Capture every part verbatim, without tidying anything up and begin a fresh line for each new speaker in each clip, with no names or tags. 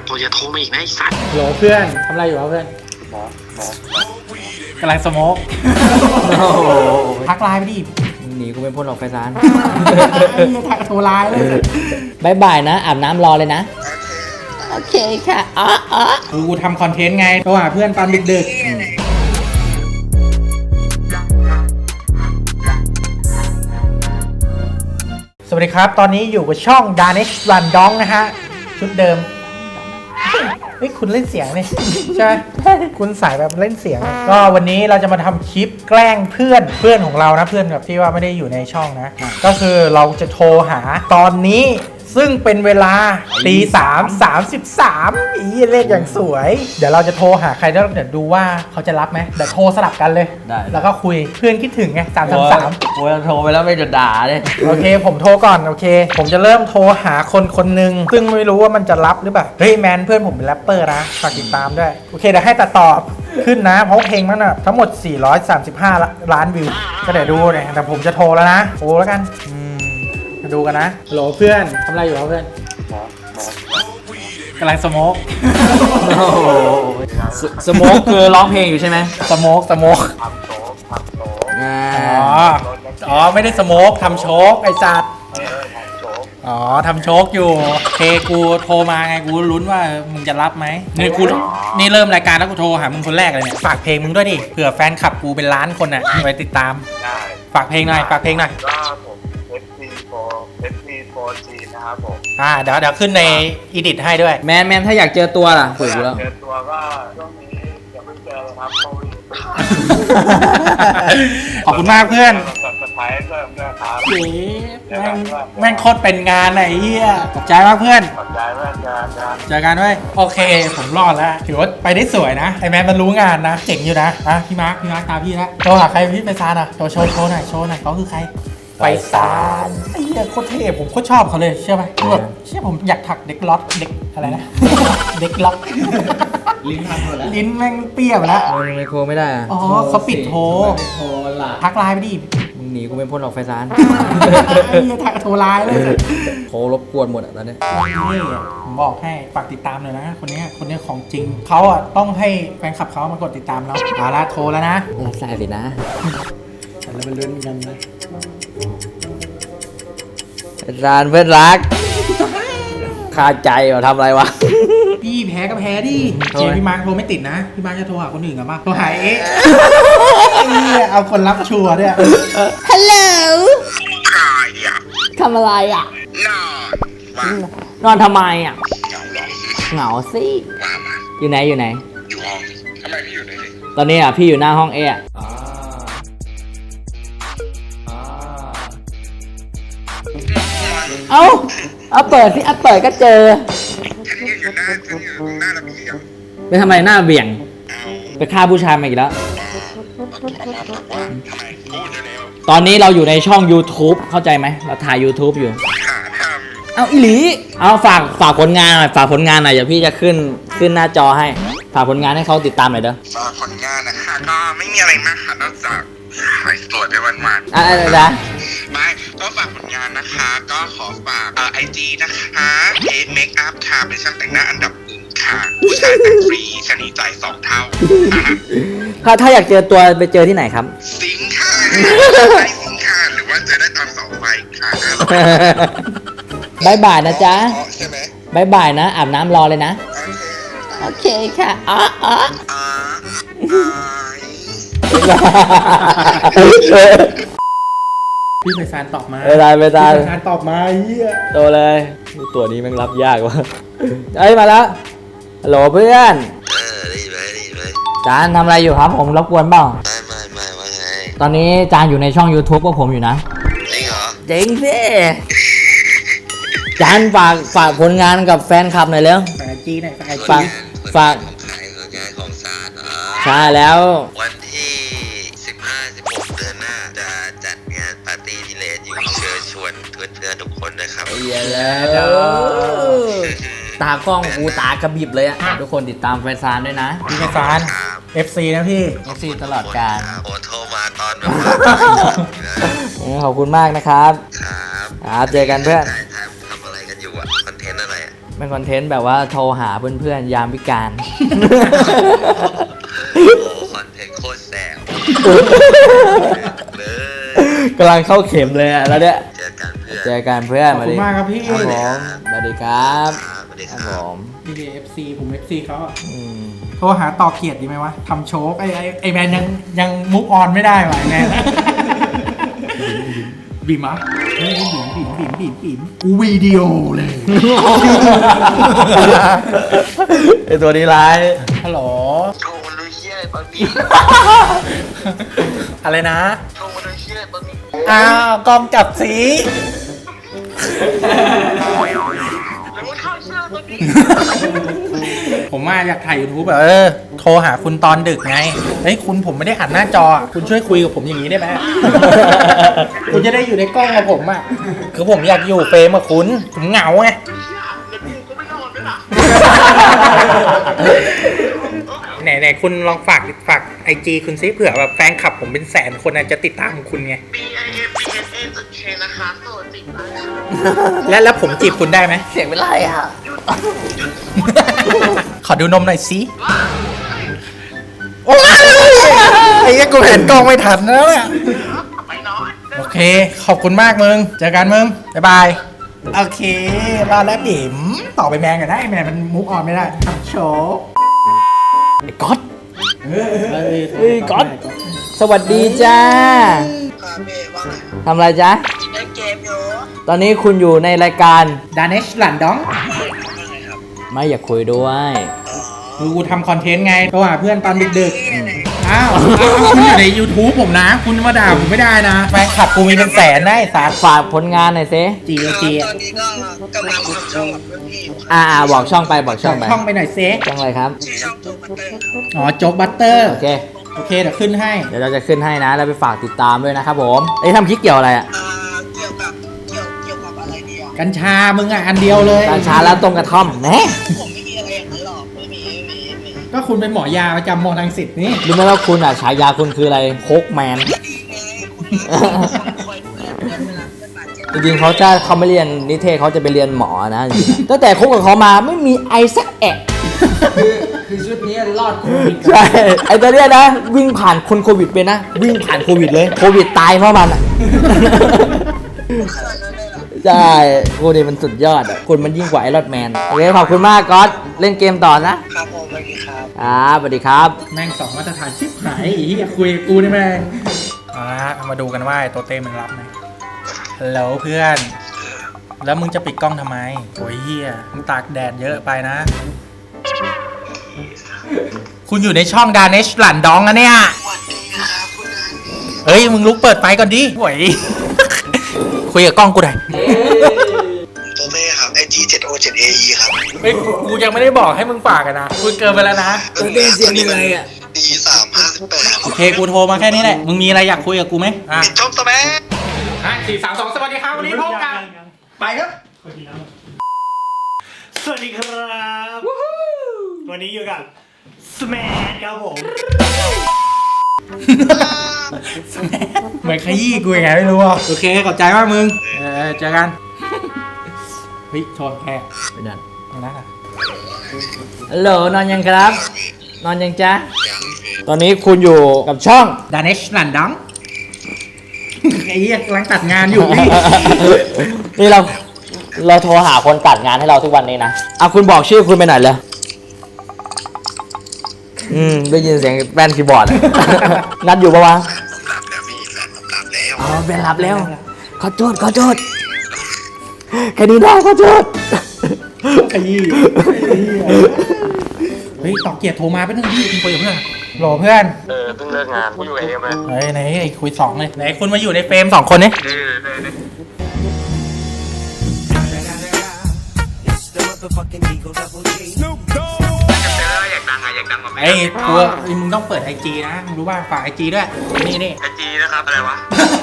พอจะโทรมาอีกนะไอ้สัตว์
โหลเพื่อนทำอะไรอยู่วะเพื่อนหมอหมอกำลังสโมกทักไลน์ไปดิหนีกูเป็นพลออกไฟซานทักโทรไลน์เลยบายบายนะอาบน้ำรอเลยนะโอเคค่ะอ๋ออ๋อกูทำคอนเทนต์ไงโทรหาเพื่อนตอนดึกๆสวัสดีครับตอนนี้อยู่กับช่อง Danish Run Dong นะฮะชุดเดิมเฮ้ยคุณเล่นเสียงนี่ใช่ไหมคุณสายแบบเล่นเสียงก็วันนี้เราจะมาทำคลิปแกล้งเพื่อนเพื่อนของเรานะเพื่อนแบบที่ว่าไม่ได้อยู่ในช่องนะก็คือเราจะโทรหาตอนนี้ซึ่งเป็นเวลาตีสามสามสิบสามอีเลขอย่างสวยเดี๋ยวเราจะโทรหาใครแล้วเดี๋ยวดูว่าเขาจะรับไหมเดี๋ยวโทรสลับกันเลยได้แล้วก็คุยเพื่อนคิดถึงไงสามสามสาม
โอ้ยโทรไปแล้วไม่จะด่าเลย
โอเคผมโทรก่อนโอเคผมจะเริ่มโทรหาคนคนหนึ่งซึ่งไม่รู้ว่ามันจะรับหรือเปล่าเฮ้ยแมนเพื่อนผมเป็นแรปเปอร์นะฝากติดตามด้วยโอเคเดี๋ยวให้ตัดต่อขึ้นนะเพราะเพลงมันอะทั้งหมดสี่ร้อยสามสิบห้าล้านวิวก็เดี๋ยวดูเนี่ยแต่ผมจะโทรแล้วนะโทรแล้วกันมาดูกันนะฮัลโหลเพื่อนทำอะไรอยู่ครับเพื่อนกำลังสโมก
สโมกคือร้องเพลงอยู่ใช่ไหม
สโมกสโมกอ๋ออ๋อไม่ได้สโมกทำโชกไอ้จัดอ๋อทำโชกอยู่เคกูโทรมาไงกูลุ้นว่ามึงจะรับไหมนี่กูนี่เริ่มรายการแล้วกูโทรหามึงคนแรกเลยเนี่ยฝากเพลงมึงด้วยดิเผื่อแฟนคลับกูเป็นล้านคนอ่ะไปติดตามฝากเพลงหน่อยฝากเพลงหน่อยนะครับผมอ่าเดี๋ยวเดี๋ยวขึ้นในอีดิทให้ด้วย
แมนแมนถ้าอยากเจอตัวล่ะคุยกูแล้ว
เจอตัวก็ช่วงนี้อย่าเพิ่งเจอครับโควิด
ขอบคุณมากเพื่อน
สุดท้ายเริ่มเริ่มครับ
แม่งแม่งโคตรเป็นงานไหนเฮียขอบใจมากเพื่อน
ขอบใจเพื่อนเจอกัน
เจอกันด้วยโอเคผมรอดแล้วถือว่าไปได้สวยนะไอแมนมันรู้งานนะเจ๋งอยู่นะอ่ะพี่มาร์คพี่มาร์คตามพี่แล้วโทรหาใครพี่ไปซานอ่ะโชว์โชว์โชว์หน่อยโชว์หน่อยเขาคือใครไปซานไอ้เหี้ยโคตรเท่ผมโคตรชอบเขาเลยเชื่อไหมแบบเชื่อผมอยากถักเด็กล็อตเด็กอะไรนะเด็กล็อก
ลิ้นพันหมดแล้ว
ลิ้นแม่งเปี้ยไปแล้ว
ไม่โทรไม่ได้
อ๋อเขาปิดโทร
โทรละ
ทักไลน์ไปดิ
มึงหนีกูเป็นพลออกไฟซาน
ไอ้เหี้ยทักโทรไลน์เลย
โทรรบกวนหมดอ่ะตอนนี้
นี่ผมบอกให้ฝากติดตามเลยนะคนนี้คนนี้ของจริงเขาอ่ะต้องให้แฟนคลับเขามากดติดตามเราเอาละโทรแล้วนะ
รับสายสินะ
แล้วมันลุ้นกันนะ
ร้านเพื่อนรักคาใจว่าทำอะไรวะ
พี่แพ้ก็แพ้ดิเจพี่มาร์คโทรไม่ติดนะพี่มาร์คจะโทรหาคนอื่นกันมาโทรหาเอ๊ะเอาคนรับชัวร์ด้วย
ฮัลโหล
ใครอ่ะ
ทำอะไรอ่ะ
นอน
นอนทำไมอ่ะ
เหงาหรอ
เหงาสิ
ว่ามา
อยู่ไหนอยู่ไหน
อยู่ห้องทำไมพี่อยู่ไหน
ตอนนี้อ่ะพี่อยู่หน้าห้องเอะเอ้าเอาเปิดสิเอาเปิดก็เจอ
ฉันอยู่หน้าฉันอยู่หน้าระเบียง
ไปทำไมหน้าเบี่ยงไปฆ่าผู้ชายมาอีกแล้วตอนนี้เราอยู่ในช่อง YouTube เข้าใจไหมเราถ่าย YouTube อยู่เอาอีหลีเอาฝากฝากผลงานหน่อยฝากผลงานหน่อยเดี๋ยวพี่จะขึ้นขึ้นหน้าจอให้ฝากผลงานให้เขาติดตามหน่อยเด้อ
ฝากผลงานนะคะก็ไม่มีอะไรมากค่ะนอกจากขายสวยไปวันๆ
อะไรนะ
ไม่ก็ฝากผลงานนะคะก็ขอฝากเอ่อไอจีนะคะเอเมคอัพค่ะเป็นช่างแต่งหน้าอันดับหนึ่งค่ะผู้ชายแต่งฟรีชนีใจสองเท่า
ถ้าถ้าอยากเจอตัวไปเจอที่ไหนครับ
สิงค่ะได้สิงค่ะหรือว่าเจอได้ตามเสาไฟค่ะ
บายบายนะจ๊ะ
ใช่ไหม
บายบายนะอาบน้ำรอเลยนะโอเคค่ะอ๋ออ๋อ
พี่ไพศาลตอบมา
ไม่ได้ไม่ได้
พี่ไพศาลตอบมาเฮีย
โตเลยตัวนี้มันรับยากว่ะเอ้ยมาแล้วฮัลโหลเพื่อน
เออได้ไหมได้ไหม
จานทำอะไรอยู่ครับผมรบกวนเปล่า
ไม่ไม่ไม่ว่าไง
ตอนนี้จานอยู่ในช่อง YouTube พวกผมอยู่นะ
จริงเหรอ
จริงสิจานฝากฝากผลงานกับแฟนคลับหน่อยเร็ว
ฝากไอจีหน่อย
ฝากฝาก
ของขายของงานของซาดเหรอ
ใช่แล้ว
วันที่สิบห้า สิบหกเดือนหน้าจะจัดงานปาร์ตี้พิเรนอยู่เชิญชวนเพื่อนๆทุกคนนะครับ
เยอะแล้วตากล้องกูตากระบิบเลยอ่ะทุกคนติดตามไฟซานด้วยนะ
พี่ไฟซาน เอฟ ซี นะพี่
เอฟ ซี ตลอดกาล
โอ้โทรมาตอนแบบ
ขอบคุณมากนะครับ
ครับ
ครับเจอกันเพื่อน
ทำอะไรกันอยู่อะคอนเทนต์อะไรอะ
เป็นคอนเทนต์แบบว่าโทรหาเพื่อนๆยามวิกาล
คอนเทนต์โคตรแสบเลย
กำลังเข้าเข็มเลยอะแล้วเนี่ย
เจอกันเพื่อน
เจอกันเพื่อน
ขอบคุณมากครับพี่
ครับผมสวัสดีครับ
สวัสดี
ค
ค
รั
รั
บบ ผม
พี่เอฟซีผมเอฟซีเขาอะ
อืม
โทรหาต่อเกียรติดีไหมวะทำโชว์ไอไอไอแมนยังยังมุกออนไม่ได้ว่ะไอแมน บีมอ่ะเฮ้ยบีมบีมบีมบีมบีมกูวิดีโอเลย
ไอตัวนี้ร้าย
ฮัลโหล
โทรมาดูเชี่ยอะไรตอนนี้
อะไรนะ
โทรมาดูเชี่ยอะไรตอนนี้
อ้าวกล้องจับสี
แล้วมันเข้าเชื่อตอนนี้
ผมมาอยากถ่าย YouTube แบบเออโทรหาคุณตอนดึกไงเฮ้ยคุณผมไม่ได้อัดหน้าจออะคุณช่วยคุยกับผมอย่างนี้ได้ไหม คุณจะได้อยู่ในกล้องกับผมอ่ะคือผมอยากอยู่เฟรมกับคุณผมเหงาไง ไหนไหนคุณลองฝากฝากไอจีคุณซิเผื่อแบบแฟนคลับผมเป็นแสนคนอาจจะติดตามคุณไง
B I M B S A จุด K นะคะโสดติดตาม
และแล้วผมจีบคุณได้ไหม
เสียงเป็นไรอ่ะ
ขอดูนมหน่อยสิโอ้ยไอ้เหี้ยกูเห็นกล้องไม่ทันแล้วเนี่ย
ไปนอน
โอเค ขอบคุณมากมึง เจอกันมึง บ๊ายบาย โอเครอแล้วบิ่มต่อไปแมนกันได้แมนมันมุกออนไม่ได้ทำโชว์
ไอ้ก๊อตเฮ้ยก๊อตสวัสดีจ้า
ค่ะเมย์ว่าไง
ทำอะไรจ๊ะ
เล่นเกมอยู่
ตอนนี้คุณอยู่ในรายการ
ดานเนชหลันดอง
ไม่อยากคุยด้วย
คือกูทำคอนเทนต์ไงโทรหาเพื่อนตอนดึกๆ อ้าวอ้าวคุณอยู่ใน YouTube ผมนะ คุณมาด่าผมไม่ได้นะ แฟนคลับกูมีเป็นแสนนะไอ้สาร
ฝากผลงานหน่อยสิ
จีโอจี
ตอนนี้ก็กำลังทำช่องกับเพื่อนพี่อยู่ค่ะ
อ่าอ่าบอกช่องไปบอกช่องไป
ช่องไปหน่อยเซ
ช่องอะไรครับ
ชื่อช่องตัวบัตเตอร์ครับ
อ๋อโจ๊กบัตเตอร์
โอเค
โอเคเดี๋ยวขึ้นให้
เดี๋ยวเราจะขึ้นให้นะ แล้วไปฝากติดตามด้วยนะครับผมไอ้ยทำคลิปเกี่ยวอะไรอ่ะ
อ่าเกี่ยวกับเกี่ยวเกี่ยวกับอะไรดีอ่ะ
กัญชา มึงอ่ะ อันเดียวเลย
การช้าแล้วตรงกระท่อมแหม
ผมไม่มีอะไรอย่างนั้นหรอกไม่มีไม่มีไม่มี
ก็คุณเป็นหมอยาประจำมอลังสิตนี่
รู้ไหมว่าคุณอ่ะฉายาคุณคืออะไรโคกแมน
ดีไงคุณคอยดูแลเพื่อนเวลาเพื่อนบาดเจ็บ
จริงๆเขาจะเขาไม่เรียนนิเทศเขาจะไปเรียนหมอนะจริงๆตั้งแต่คบกับเขามาไม่มีไอสักแอะ
คือชุดนี้รอดโควิด
ใช่ไอตัวเนี้ยนะ วิ่งผ่านคนโควิดไปนะ วิ่งผ่านโควิดเลยโควิดตายเพราะมันอ่ะ
ขนาดนั้นเลยเหรอ
ใช่โควิดมันสุดยอดอ่ะคุณมันยิ่งกว่าไอรอนแมนโอเคขอบคุณมากก๊อตเล่นเกมต่อนะครับ
ผมสวัสดีครับ
ครับสวัสดีครับ
แม่งสองมาตรฐานชิบหายอีกคุยกับกูนี่แม่งเอาละมาดูกันว่าไอ้ตัวเต้มันรับไหมฮัลโหลเพื่อน แล้วมึงจะปิดกล้องทำไมโอ้ยเฮียมึงตากแดดเยอะไปนะ คุณอยู่ในช่องดานเนชหลันดองนะเนี่ย
สวัสดีครับคุณนาย
เฮ้ย มึงลุกเปิดไฟก่อนดิโว้ย คุยกับกล้องกูหน่อย
ตัวเต้ครับ ไอ จี เจ็ด โอ เจ็ด เอ อี ครับ
เฮ้ย กูยังไม่ได้บอกให้มึงฝากกันนะคุณเกินไปแล้วนะ
ตัวเต้เสียงยังไงอะ
ดีสามห้าสิบแปด
โอเค กูโทรมาแค่นี้แหละ มึงมีอะไรอยากคุยกับกูไหมอ่ะ
ปิดช่องสแมั
ห้าสี่สามสองสวัสดีครับ วันนี้พบกัน ไปครับ
สวัสดีครับ วันนี้อยู่กับสแมนครับผม
เหมือนขยี้กูยังไงไม่รู้อ่ะ โอเค ขอบใจมากมึง เออเจอกัน เฮ้ยชนแค่
ไปนั่น
ไม่น่า
ฮัลโหลนอนยังครับ นอนยังจ๊ะ ตอนนี้คุณอยู่กับช่อง
ดานเนชหลันดอง ไอ้เหี้ยกำลังตัดงานอยู่นี่
นี่เราเราโทรหาคนตัดงานให้เราทุกวันนี้นะเอาคุณบอกชื่อคุณไปหน่อยเลยอืมได้ยินเสียงแป้นคีย์บอร์ดอะ นัดอยู่ปะวะ
ผมหลับแล้วพี่แฟนผมหลับแล้ว
อ๋อแป้นหลับแล้ว ขอโทษขอโทษแค่นี้ได้ขอโทษ
ขยี้เฮ้ยต่อเกียรติโทรมาเป็นหนึ่งพี่คุณคุยกับเพื่อนโหลเพื่อน
เออเพิ่งเลิกงานกูอยู่เองเลย
เฮ้ยไหนไอ้คุยสองเลยไหนคุณมาอยู่ในเฟรมสองคนนี่
เออเออ อยากดังอะอยากดังกว่าแม่
ไอ้ตัวไอ้มึงต้องเปิดไอจีนะมึงรู้ป่ะฝากไอจีด้วย นี่นี่
ไอจีนะครับ อะไรวะ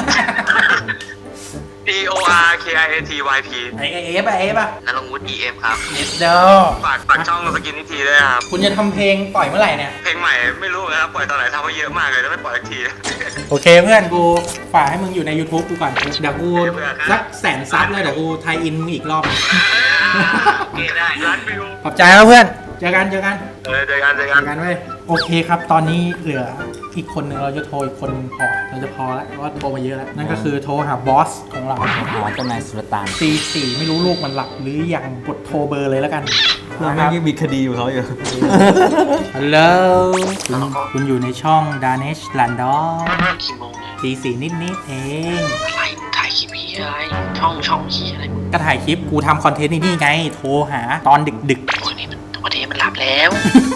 P O R K I A T Y P
ไอเอฟอะเอฟอะ
นรงวุฒิ E M ครับ
เยสเดอ
ฝากฝากช่องสกิน
อีกทีด้วยครับ
คุณจะทำเพลงปล่อยเมื่อไหร่เนี่ย
เพลงใหม่ไม่รู้นะครับปล่อยตอนไหนทำไว้เยอะมากเลยแล้วไม่ปล่อยสักที
โอเคเพื่อนกูฝากให้มึงอยู่ใน YouTube กูก่อน เดี๋ยวกูสักแสนซับเลยเดี๋ยวกูไทยอินมึงอีกรอบ
โอเคได้ร้านวิว
ขอบใจแล้วเพื่อน เจอกันเจอกัน
เออเจอกันเจอ
เจ
กัน
อกันเว้ยโอเคครับ ตอนนี้เหลืออีกคนหนึ่งเราจะโทรอีกคนหนึ่งพอ เราจะพอแล้วเพราะว่าโทรมาเยอะแล้ว นั่นก็คือโทรหาบอสของเรา
หาเจ้านายสุลต่าน
ตีสี่ไม่รู้ลูกมันหลับหรือยังกดโทรเบอร์เลยแล้วกัน
เราไม่ยังมีคดีอยู่เขาอยู่
ฮัลโหลคุณคุณอยู่ในช่อง Danish Random
กี่โมงเนี่ย
ตีสี่นิดๆเอง
อะไรถ่ายคลิปพี่อะไรช่องช่องพี่อะไร
ก็ถ่ายคลิปกูทำคอนเทนต์นี่ไง โทรหาตอนดึก
วันนี้มันวันนี้มันหลับแล้ว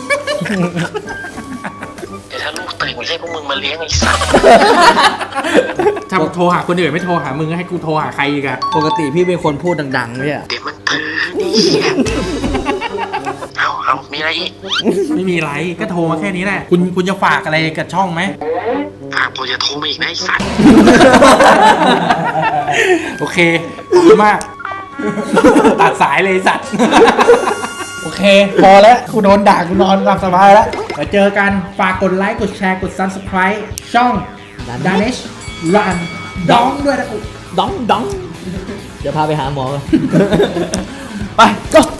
เดี๋ยวถ้าลูกตื่นไม่ใช่พวกมึงมาเลี้ยงไอ้สัส
ๆ ถ้าโทรหาคนอื่นไม่โทรหามึงให้กูโทรหาใครอีกอะ
ปกติพี่เป็นคนพูดดังๆเนี่ย
เดี๋ยวมันตื่นนี่เอาเอามีอะไรอีก
ไม่มีไรก็โทรมาแค่นี้แหละ คุณคุณจะฝากอะไรกับช่องไหม
ฝากโปรจะโทรมาอีกนะไอ้สัส
โอเค ขอบคุณมาก ตัดสายเลยไอ้สัตว์ โอเค พอแล้วกูโดนด่ากูนอนหลับสบายแล้วเดี๋ยวเจอกันฝากกดไลค์ กดแชร์ กด Subscribe ช่อง Danish Run ดองด้วยนะกู
ดองดองเดี๋ยวพาไปหาหมอก่อน ไป go